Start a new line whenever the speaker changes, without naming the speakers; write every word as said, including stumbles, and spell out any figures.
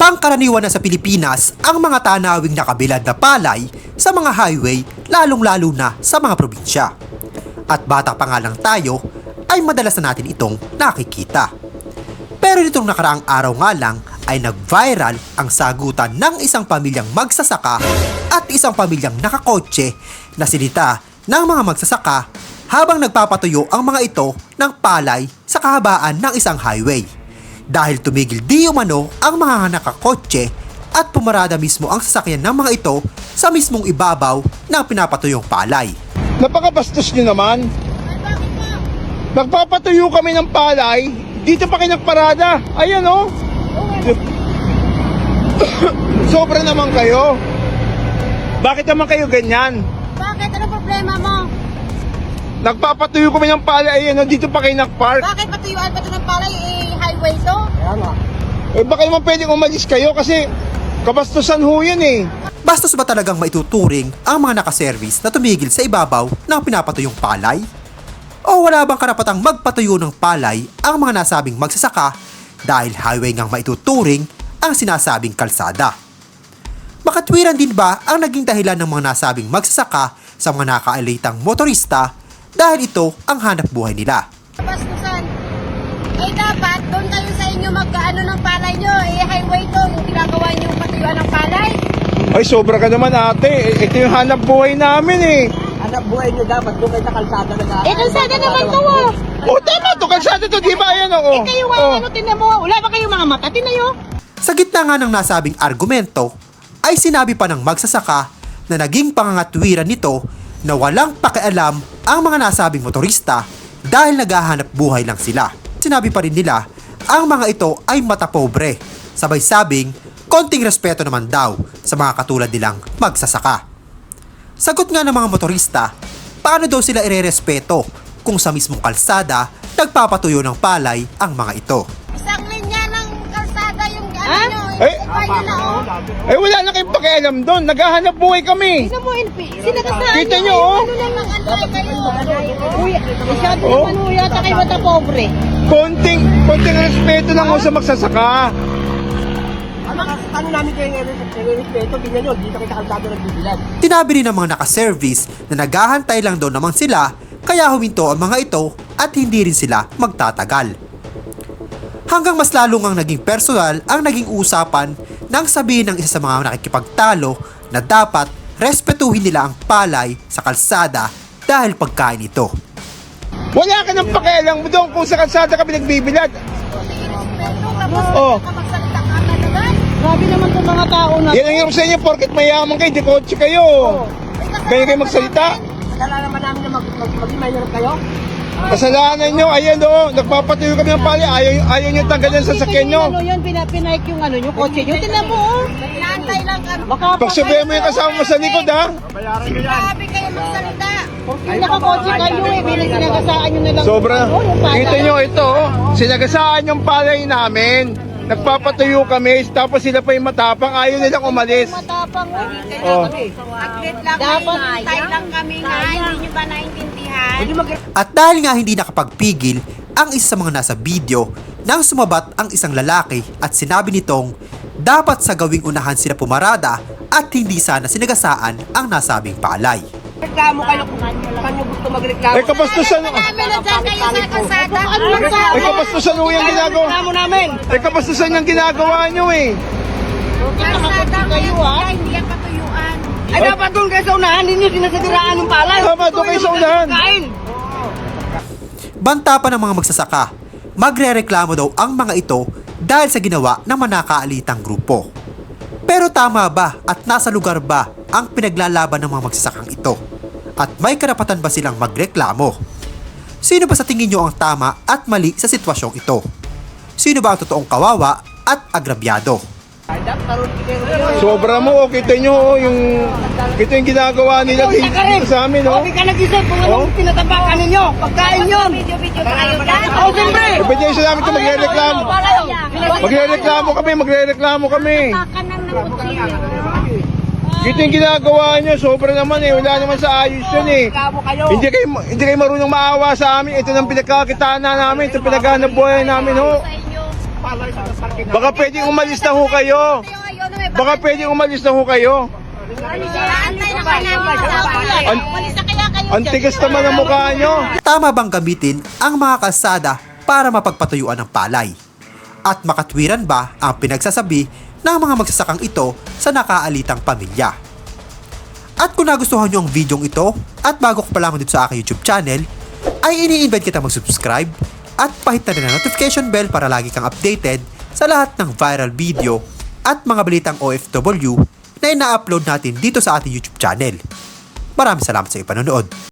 Pangkaraniwan na sa Pilipinas ang mga tanawing nakabilad na palay sa mga highway, lalong-lalo na sa mga probinsya. At bata pa nga lang tayo, ay madalas na natin itong nakikita. Pero nitong nakaraang araw nga lang ay nag-viral ang sagutan ng isang pamilyang magsasaka at isang pamilyang nakakotse na sinita ng mga magsasaka habang nagpapatuyo ang mga ito ng palay sa kahabaan ng isang highway. Dahil tumigil di umano ang mga nakakotse at pumarada mismo ang sasakyan ng mga ito sa mismong ibabaw ng pinapatuyong palay.
Napakabastos nyo naman. Nagpapatuyo kami ng palay, dito pa kayo nagparada. Ayan o. Oh. Sobra naman kayo. Bakit naman kayo ganyan?
Bakit? Ano problema mo?
Nagpapatuyo kami ng palay, ayan o, dito pa kayo nagpark.
Bakit patuyuan pa ito ng palay? Eh, highway to?
Kaya nga. Eh baka naman pwedeng umalis kayo kasi kabastusan ho yan eh.
Bastos ba talagang maituturing ang mga nakaservice na tumigil sa ibabaw ng pinapatuyong palay? O wala bang karapatang magpatuyo ng palay ang mga nasabing magsasaka dahil highway ngang maituturing ang sinasabing kalsada? Makatwiran din ba ang naging dahilan ng mga nasabing magsasaka sa mga nakaalitang motorista dahil ito ang hanap buhay nila?
Bastusan. Eh dapat, doon kayo sa inyo magkaano ng palay nyo. Eh, highway to. Yung ginagawa nyo patuyuan ng palay.
Ay sobra ka naman ate, ito yung hanap buhay namin eh.
Hanap buhay nyo dapat doon kayo sa kalsada na
Eh, kalsada naman to, oh.
O tama to, kalsada to, di ba? Ayan o.
Eh, kayo nga, ano, tinan mo. Wala ba kayong mga mata? Tinan nyo.
Sa gitna nga ng nasabing argumento, ay sinabi pa ng magsasaka na naging pangangatwiran nito na walang pakialam ang mga nasabing motorista dahil naghahanap buhay lang sila. Sinabi pa rin nila, ang mga ito ay matapobre. Sabay sabing, konting respeto naman daw sa mga katulad nilang magsasaka. Sagot nga ng mga motorista, paano daw sila irerespeto kung sa mismong kalsada nagpapatuyo ng palay ang mga ito?
Isang linya ng kalsada yung ano
Ha?
nyo.
Eh,
Bayo na, oh.
Eh wala na kayong pakialam doon, naghahanap buhay kami.
Tinan mo, sinakasaan
Kita
nyo.
nyo, oh.
Ano lang ang antay kayo?
Uy, masyado
Oh.
naman ho yata kayo matapobre.
Konting, konting respeto lang ho sa magsasaka.
Ano, ano namin kayo nire-respeto? Tingnan nyo, dito kayo sa kalsada nagbibilan.
Tinabi rin ng mga nakaservice na naghahantay lang daw naman sila kaya huminto ang mga ito at hindi rin sila magtatagal. Hanggang mas lalong ang naging personal ang naging usapan nang sabihin ng isa sa mga nakikipagtalo na dapat respetuhin nila ang palay sa kalsada dahil pagkain ito.
Wala ka ng pakialam doon kung sa kalsada kami nagbibilad. Oh.
Tapos, magsalita ka na naman.
Grabe naman itong mga tao na.
Yan ang hirap sa inyo, porket mayaman kayo, di kotse kayo. Kaya kayo magsalita.
Kailangan naman namin na mag mag maging mahirap kayo.
Kasalanan nyo, ayan o, nagpapatuyo kami ng pali, ayaw, ayaw nyo tanggalin sa sakyan nyo.
Ano yun, pinapinaik yung ano, yung kotse nyo. Tingnan mo, oh.
Naantay lang kami.
Pagsabihan mo yung kasama mo sa likod ha.
Grabe kayo magsalita.
Kung nakakotse kayo eh, bilang sinagasaan nyo na lang.
Sobra.
Ano, yung pala.
Kita nyo ito, oh. Sinagasaan yung palay namin. Nagpapatuyo kami, tapos sila pa yung matapang, ayaw nilang umalis.
Matapang,
Oh.
oh.
Aglit lang
Dapat
kami. Hintay lang kami nga. Hindi nyo ba naintindihan?
Hindi mag
At dahil nga hindi nakapagpigil ang isa sa mga nasa video nang sumabat ang isang lalaki at sinabi nitong dapat sa gawing unahan sila pumarada at hindi sana sinagasaan ang nasabing palay.
reklamo kayo kung saan nyo gusto magreklamo.
Eh kapastusan,
Marami na dyan kayo sa kalsada.
Ano lang sa
eh kapastusan ho yung ginagawa.
reklamo namin?
Eh kapastusan yung ginagawa nyo eh.
Kalsada
kayo,
kayo,
ah.
hindi yan patuyuan.
Ay, dapat doon kayo sa unahan, hindi nyo sinasadiraan ng palay.
Tama, doon kayo sa unahan.
Kain.
Banta pa ng mga magsasaka, magrereklamo daw ang mga ito dahil sa ginawa ng manakaalitang grupo. Pero tama ba at nasa lugar ba ang pinaglalaban ng mga magsasakang ito? At may karapatan ba silang magreklamo? Sino ba sa tingin nyo ang tama at mali sa sitwasyong ito? Sino ba ang totoong kawawa at agrabyado?
Sobra mo, oh, kita nyo oh, yung, kita yung ginagawa nila dito, dito sa amin oh.
Okay ka nag-isip kung
Oh.
anong tinatapakan ninyo. Pagkain yun.
Video-video pa kayo dyan.
Oo, siyempre.
Eh ba't yung isa namin ito magre-reklamo? Magre-reklamo kami, magre-reklamo kami.
Kanan ng kutsilyo.
Kita yung ginagawa nyo, sobra naman eh, wala naman sa ayos yun eh.
Reklamo kayo.
Hindi kayo, hindi kayo marunong maawa sa amin, ito nang pinagkakitaan na namin, ito pinaghanap buhay namin ho.
Sa inyo.
palay sa parking
Baka pwedeng umalis na ho kayo. Baka pwedeng umalis na ho kayo.
Antay na kayo namin sa palay.
An-
Umalis na kaya kayo.
Ang tigas naman ang mukha nyo.
Tama bang gamitin ang mga kalsada para mapagpatuyuan ng palay? At makatwiran ba ang pinagsasabi ng mga magsasakang ito sa nakaalitang pamilya? At kung nagustuhan nyo ang videong ito at bago ko pa lamang dito sa aking YouTube channel, ay ini-invite kita mag-subscribe at pahit na rin ang notification bell para lagi kang updated sa lahat ng viral video at mga balitang O F W na ina-upload natin dito sa ating YouTube channel. Maraming salamat sa iyong panonood.